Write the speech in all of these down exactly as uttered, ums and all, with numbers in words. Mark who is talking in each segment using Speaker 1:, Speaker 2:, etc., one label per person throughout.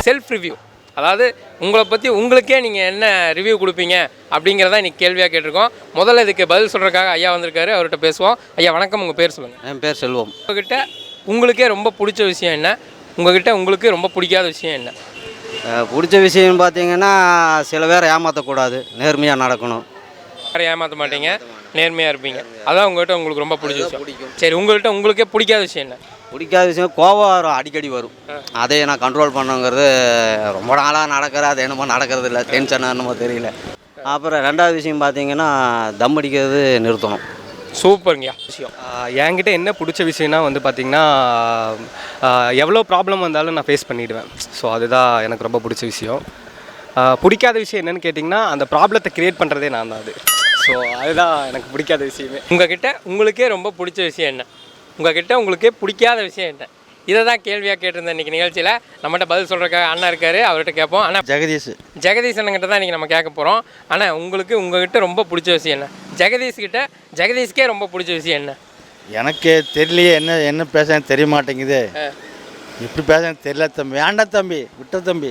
Speaker 1: Self review, அதாவது உங்களை பற்றி உங்களுக்கே நீங்கள் என்ன ரிவ்யூ கொடுப்பீங்க அப்படிங்கிறத இன்றைக்கி கேள்வியாக கேட்டிருக்கோம். முதல்ல இதுக்கு பதில் சொல்கிறதுக்காக ஐயா வந்திருக்காரு, அவர்கிட்ட பேசுவோம். ஐயா வணக்கம், உங்கள் பேர் சொல்லுங்கள்.
Speaker 2: என் பேர் செல்வம்.
Speaker 1: உங்கள்கிட்ட உங்களுக்கே ரொம்ப பிடிச்ச விஷயம் என்ன, உங்கள்கிட்ட உங்களுக்கு ரொம்ப பிடிக்காத விஷயம் என்ன?
Speaker 2: பிடிச்ச விஷயம்னு பார்த்தீங்கன்னா, சில பேர் ஏமாற்றக்கூடாது, நேர்மையாக நடக்கணும்.
Speaker 1: வேறு ஏமாற்ற மாட்டீங்க, நேர்மையாக இருப்பீங்க, அதான் உங்கள்கிட்ட உங்களுக்கு ரொம்ப பிடிச்ச விஷயம். பிடிக்கும். சரி, உங்கள்கிட்ட உங்களுக்கே பிடிக்காத விஷயம் என்ன?
Speaker 2: பிடிக்காத விஷயம் கோபம் வரும், அடிக்கடி வரும். அதை நான் கண்ட்ரோல் பண்ணுங்கிறது ரொம்ப நாளாக நடக்கிற, அது என்னமோ நடக்கிறது இல்லை, டென்ஷன் என்னமோ தெரியல. அப்புறம் ரெண்டாவது விஷயம் பார்த்தீங்கன்னா, தம் அடிக்கிறது நிறுத்தணும்.
Speaker 1: சூப்பருங்கய்யா. விஷயம்
Speaker 3: என்கிட்ட என்ன பிடிச்ச விஷயம்னா வந்து பார்த்திங்கன்னா, எவ்வளோ ப்ராப்ளம் வந்தாலும் நான் ஃபேஸ் பண்ணிவிடுவேன். ஸோ அதுதான் எனக்கு ரொம்ப பிடிச்ச விஷயம். பிடிக்காத விஷயம் என்னென்னு கேட்டிங்கன்னா, அந்த ப்ராப்ளத்தை க்ரியேட் பண்ணுறதே நான் தான். அது ஸோ அதுதான் எனக்கு பிடிக்காத விஷயமே.
Speaker 1: உங்கள்கிட்ட உங்களுக்கே ரொம்ப பிடிச்ச விஷயம் என்ன, உங்கள்கிட்ட உங்களுக்கே பிடிக்காத விஷயம் என்ன, இதை தான் கேள்வியாக கேட்டிருந்தேன் இன்றைக்கி நிகழ்ச்சியில். நம்மகிட்ட பதில் சொல்கிறக்காக அண்ணா இருக்கார், அவர்கிட்ட கேட்போம். ஆனால்
Speaker 2: ஜெகதீஷ்
Speaker 1: ஜெகதீஷ் அண்ணங்கிட்ட தான் இன்றைக்கி நம்ம கேட்க போகிறோம். ஆனால் உங்களுக்கு உங்கள்கிட்ட ரொம்ப பிடிச்ச விஷயம் என்ன? ஜெகதீஷ்கிட்ட ஜெகதீஷ்கே ரொம்ப பிடிச்ச விஷயம் என்ன?
Speaker 4: எனக்கு தெரியலையே, என்ன என்ன பேச தெரிய மாட்டேங்குது, எப்படி பேச தெரியல தம்பி. வேண்டாம் தம்பி, விட்ட தம்பி.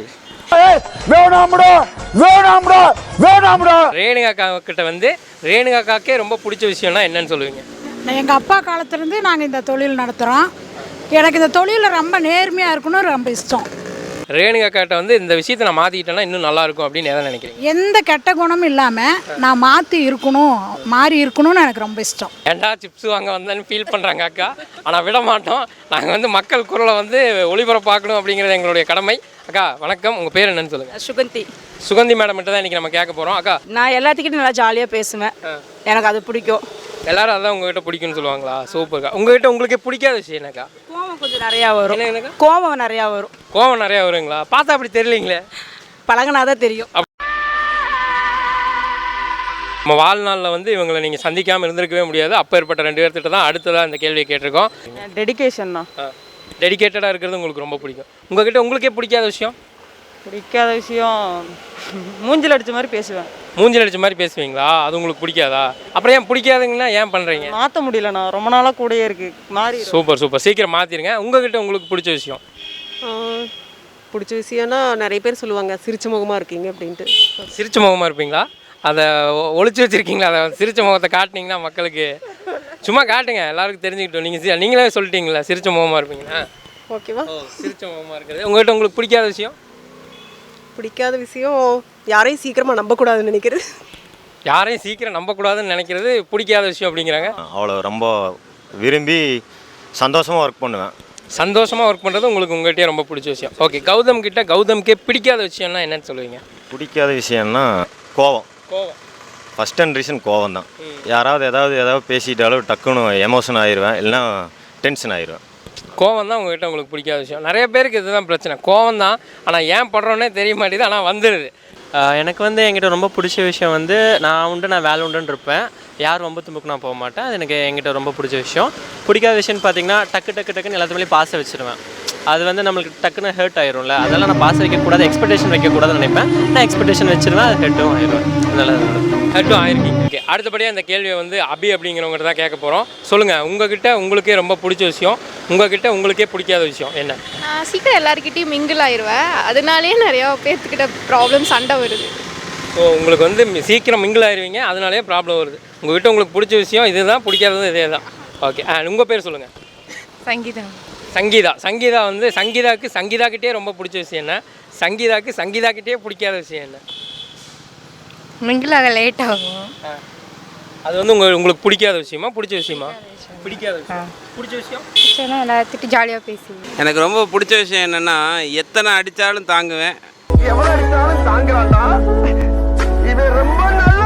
Speaker 1: ரேணுகா கிட்ட வந்து ரேணுகாக்கே ரொம்ப பிடிச்ச விஷயம்னா என்னன்னு சொல்லுவீங்க?
Speaker 5: எங்கள் அப்பா காலத்துலேருந்து நாங்கள் இந்த தொழில் நடத்துகிறோம். எனக்கு இந்த தொழிலில் ரொம்ப நேர்மையாக இருக்கணும், ரொம்ப இஷ்டம்.
Speaker 1: ரேணுகா கிட்ட வந்து இந்த விஷயத்தை நான் மாற்றிக்கிட்டேன்னா இன்னும் நல்லாயிருக்கும் அப்படின்னு எதை நினைக்கிறீங்க?
Speaker 5: எந்த கெட்ட குணமும் இல்லாமல் நான் மாற்றி இருக்கணும், மாறி இருக்கணும்னு எனக்கு ரொம்ப இஷ்டம்.
Speaker 1: ஏண்டா சிப்ஸ் வாங்க வந்தேன்னு ஃபீல் பண்ணுறாங்க அக்கா, ஆனால் விட மாட்டோம். நாங்கள் வந்து மக்கள் குரலை வந்து ஒளிபரப்பாக்கணும் அப்படிங்கிறது எங்களுடைய கடமை. அக்கா வணக்கம், உங்கள் பேர் என்னன்னு சொல்லுங்கள்.
Speaker 6: சுகந்தி.
Speaker 1: சுகந்தி மேடம் கிட்ட தான் இன்றைக்கி நம்ம கேட்க போகிறோம். அக்கா,
Speaker 6: நான் எல்லாத்துக்கிட்டும் நல்லா ஜாலியாக பேசுவேன், எனக்கு அது பிடிக்கும்.
Speaker 1: எல்லாரும் அதான் உங்ககிட்ட பிடிக்கும்னு சொல்லுவாங்களா? சூப்பர்க்கா. உங்ககிட்ட உங்களுக்கே பிடிக்காத விஷயம் என்னக்கா?
Speaker 6: கோவம் கொஞ்சம் நிறையா வரும்.
Speaker 1: என்னக்கா?
Speaker 6: கோவம் நிறையா வரும்.
Speaker 1: கோவம் நிறையா வருங்களா? பார்த்தா அப்படி தெரியலீங்களே,
Speaker 6: பழகினாதான் தெரியும்.
Speaker 1: நம்ம வாழ்நாளில் வந்து இவங்களை நீங்கள் சந்திக்காமல் இருந்திருக்கவே முடியாது. அப்போ ஏற்பட்ட ரெண்டு பேர்த்திட்ட தான் அடுத்ததாக இந்த கேள்வியை கேட்டிருக்கோம்.
Speaker 6: டெடிகேஷன் தான்.
Speaker 1: டெடிகேட்டடாக இருக்கிறது உங்களுக்கு ரொம்ப பிடிக்கும். உங்கள்கிட்ட உங்களுக்கே பிடிக்காத விஷயம்?
Speaker 6: பிடிக்காத விஷயம் மூஞ்சில் அடித்த மாதிரி பேசுவேன்.
Speaker 1: மூஞ்சில் அடித்த மாதிரி பேசுவீங்களா? அது உங்களுக்கு பிடிக்காதா? அப்புறம் ஏன் பிடிக்காதுங்கன்னா ஏன் பண்ணுறீங்க?
Speaker 6: மாற்ற முடியல, நான் ரொம்ப நாளாக கூடயே இருக்கு மாறி.
Speaker 1: சூப்பர் சூப்பர், சீக்கிரம் மாற்றிடுங்க. உங்கள்கிட்ட உங்களுக்கு பிடிச்ச விஷயம்?
Speaker 7: பிடிச்ச விஷயம்னா நிறைய பேர் சொல்லுவாங்க சிரிச்ச முகமாக இருக்கீங்க அப்படின்ட்டு.
Speaker 1: சிரிச்ச முகமாக இருப்பீங்களா? அதை ஒழிச்சு வச்சுருக்கீங்களா? அதை சிரிச்ச முகத்தை காட்டினீங்கன்னா மக்களுக்கு சும்மா காட்டுங்க, எல்லாருக்கும் தெரிஞ்சுக்கிட்டோம். நீங்கள் நீங்களே சொல்லிட்டீங்களா சிரிச்ச முகமாக இருப்பீங்கன்னா?
Speaker 7: ஓகேவா?
Speaker 1: சிரிச்ச முகமாக இருக்கிறது. உங்கள்கிட்ட உங்களுக்கு பிடிக்காத விஷயம்?
Speaker 7: பிடிக்காத விஷயம் யாரையும் சீக்கிரமாக நம்பக்கூடாதுன்னு நினைக்கிறது.
Speaker 1: யாரையும் சீக்கிரம் நம்பக்கூடாதுன்னு நினைக்கிறது பிடிக்காத விஷயம் அப்படிங்கிறாங்க.
Speaker 8: அவ்வளோ ரொம்ப விரும்பி சந்தோஷமாக ஒர்க் பண்ணுவேன்.
Speaker 1: சந்தோஷமாக ஒர்க் பண்ணுறது உங்களுக்கு உங்கள்கிட்டயே ரொம்ப பிடிச்ச விஷயம். ஓகே, கௌதம் கிட்ட கௌதம்கே பிடிக்காத விஷயம்னா என்னன்னு சொல்லுவீங்க?
Speaker 8: பிடிக்காத விஷயம்னா கோவம்.
Speaker 1: கோவம்
Speaker 8: ஃபஸ்ட் அண்ட் ரீசன் கோவம் தான். யாராவது ஏதாவது ஏதாவது பேசிட்டாலும் டக்குன்னு எமோஷன் ஆயிடுவேன், இல்லைனா டென்ஷன் ஆயிடுவேன்.
Speaker 1: கோவம் தான் உங்கள்கிட்ட உங்களுக்கு பிடிக்காத விஷயம். நிறைய பேருக்கு இதுதான் பிரச்சனை, கோவம் தான். ஆனால் ஏன் படுறோன்னே தெரிய மாட்டேது, ஆனால் வந்துடுது.
Speaker 9: எனக்கு வந்து என்கிட்ட ரொம்ப பிடிச்ச விஷயம் வந்து நான் உண்டு நான் வேலை உண்டுன்னு இருப்பேன், யார் ரொம்ப தும்புக்கு நான் போக மாட்டேன். அது எனக்கு என்கிட்ட ரொம்ப பிடிச்ச விஷயம். பிடிக்காத விஷயம்னு பார்த்தீங்கன்னா, டக்கு டக்கு டக்குன்னு எல்லாத்துலேயும் பாச வச்சுருவேன். அது வந்து நம்மளுக்கு டக்குன்னு ஹர்ட் ஆயிரும்ல, அதெல்லாம் நான் பாச வைக்கக்கூடாது, எக்ஸ்பெக்டேஷன் வைக்கக்கூடாதுன்னு நினைப்பேன். நான் எக்ஸ்பெக்டேஷன் வச்சுருவேன், அது ஹெட்டும் ஆயிடுவேன். அதனால்
Speaker 1: ஹெட்டும் ஆயிருக்கீங்க. ஓகே, அடுத்தபடியாக இந்த கேள்வியை வந்து அபி அப்படிங்கிறவங்ககிட்ட தான் கேட்க போகிறோம். சொல்லுங்கள், உங்ககிட்ட உங்களுக்கே ரொம்ப பிடிச்ச விஷயம், உங்ககிட்ட உங்களுக்கே பிடிக்காத விஷயம் என்ன?
Speaker 10: நான் சீக்கிரம் எல்லாருக்கிட்டையும் மிங்கிள் ஆயிடுவேன், அதனாலேயே நிறையா பேர்த்துக்கிட்ட ப்ராப்ளம் சண்டை வருது.
Speaker 1: ஸோ உங்களுக்கு வந்து சீக்கிரம் மிங்கிள் ஆயிடுவீங்க, அதனாலேயே ப்ராப்ளம் வருது. உங்கள்கிட்ட உங்களுக்கு பிடிச்ச விஷயம் இதுதான், பிடிக்காதது இதே தான். ஓகே, உங்கள் பேர் சொல்லுங்கள்.
Speaker 10: சங்கீதா.
Speaker 1: சங்கீதா. சங்கீதா வந்து சங்கீதாவுக்கு சங்கீதாக்கிட்டே ரொம்ப பிடிச்ச விஷயம் என்ன, சங்கீதாவுக்கு சங்கீதாக்கிட்டே பிடிக்காத விஷயம் என்ன?
Speaker 10: மிங்கிள் ஆக லேட் ஆகும்.
Speaker 1: அது வந்து உங்கள் உங்களுக்கு பிடிக்காத விஷயமா பிடிச்ச விஷயமா? பிடிக்காத விஷயம். பிடிச்ச விஷயம்
Speaker 10: பிடிச்சனா எல்லாத்திட்டும் ஜாலியாக பேசுவேன்.
Speaker 11: எனக்கு ரொம்ப பிடிச்ச விஷயம் என்னென்னா, எத்தனை அடித்தாலும் தாங்குவேன்.
Speaker 12: எவ்வளோ அடித்தாலும் தாங்குவான்டா, இவன் ரொம்ப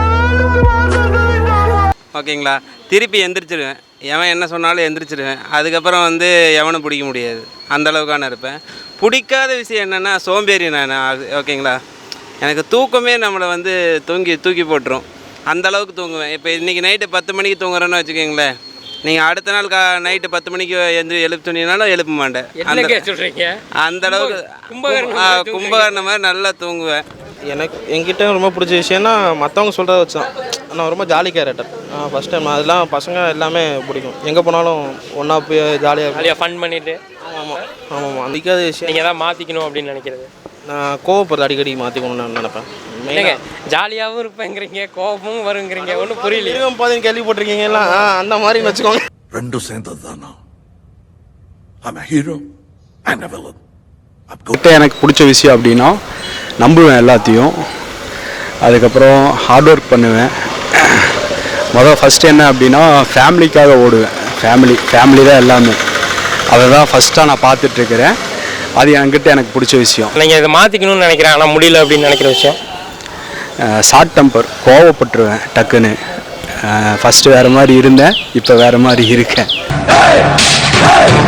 Speaker 11: ஓகேங்களா? திருப்பி எந்திரிச்சிடுவேன், எவன் என்ன சொன்னாலும் எந்திரிச்சிடுவேன். அதுக்கப்புறம் வந்து எவனும் பிடிக்க முடியாது, அந்தளவுக்கான இருப்பேன். பிடிக்காத விஷயம் என்னென்னா சோம்பேறி நான். ஓகேங்களா? எனக்கு தூக்கமே நம்மளை வந்து தூங்கி தூக்கி போட்டுரும், அந்தளவுக்கு தூங்குவேன். இப்போ இன்றைக்கி நைட்டு பத்து மணிக்கு தூங்குறேன்னு வச்சுக்கோங்களேன், நீங்கள் அடுத்த நாள் கா நைட்டு பத்து மணிக்கு எந்த எழுப்பு துணினாலும் எழுப்ப மாட்டேன். அந்த அளவுக்கு கும்பகர்ண மாதிரி நல்லா தூங்குவேன்.
Speaker 13: எனக்கு என்கிட்ட ரொம்ப பிடிச்ச விஷயம்னா மற்றவங்க சொல்கிறத வச்சு தான். நான் ரொம்ப ஜாலி கேரக்டர். ஃபஸ்ட் டைம் அதெல்லாம் பசங்க எல்லாமே பிடிக்கும், எங்கே போனாலும் ஒன்றா போய் ஜாலியாக
Speaker 1: ஜாலியாக ஃபன் பண்ணிவிட்டு.
Speaker 13: ஆமாம் ஆமாம் ஆமாம். அதிகாத விஷயம்
Speaker 1: நீங்கள் தான் மாற்றிக்கணும் அப்படின்னு நினைக்கிறது.
Speaker 13: நான் கோவப்படுறது அடிக்கடி மாற்றிக்கணும்னு நான் நினைப்பேன்.
Speaker 1: இல்லைங்க, ஜாலியாகவும் இருப்பேங்கிறீங்க, கோபமும் வருங்கிறீங்க, ஒன்றும் புரியல.
Speaker 13: மிருகம் பாதைன்னு கேள்விப்பட்டிருக்கீங்களா? அந்த மாதிரின்னு வச்சுக்கோங்க.
Speaker 12: ரெண்டும் சேர்ந்தது தானா? I'm a hero and a villain.
Speaker 14: கிட்ட எனக்கு பிடிச்ச விஷயம் அப்படின்னா நம்புவேன் எல்லாத்தையும். அதுக்கப்புறம் ஹார்ட் ஒர்க் பண்ணுவேன். மொதல் ஃபஸ்ட்டு என்ன அப்படின்னா ஃபேமிலிக்காக ஓடுவேன். ஃபேமிலி ஃபேமிலி தான் எல்லாமே. அதை தான் ஃபஸ்ட்டாக நான் பார்த்துட்ருக்கிறேன். அது என்கிட்ட எனக்கு பிடிச்ச விஷயம்.
Speaker 1: நீங்கள் இதை மாற்றிக்கணும்னு நினைக்கிறேன் ஆனால் முடியல அப்படின்னு நினைக்கிற விஷயம்?
Speaker 14: ஷார்ட் டெம்பர், கோவப்பட்டுருவேன் டக்குன்னு. ஃபஸ்ட்டு வேறு மாதிரி இருந்தேன், இப்போ வேறு மாதிரி இருக்கேன்.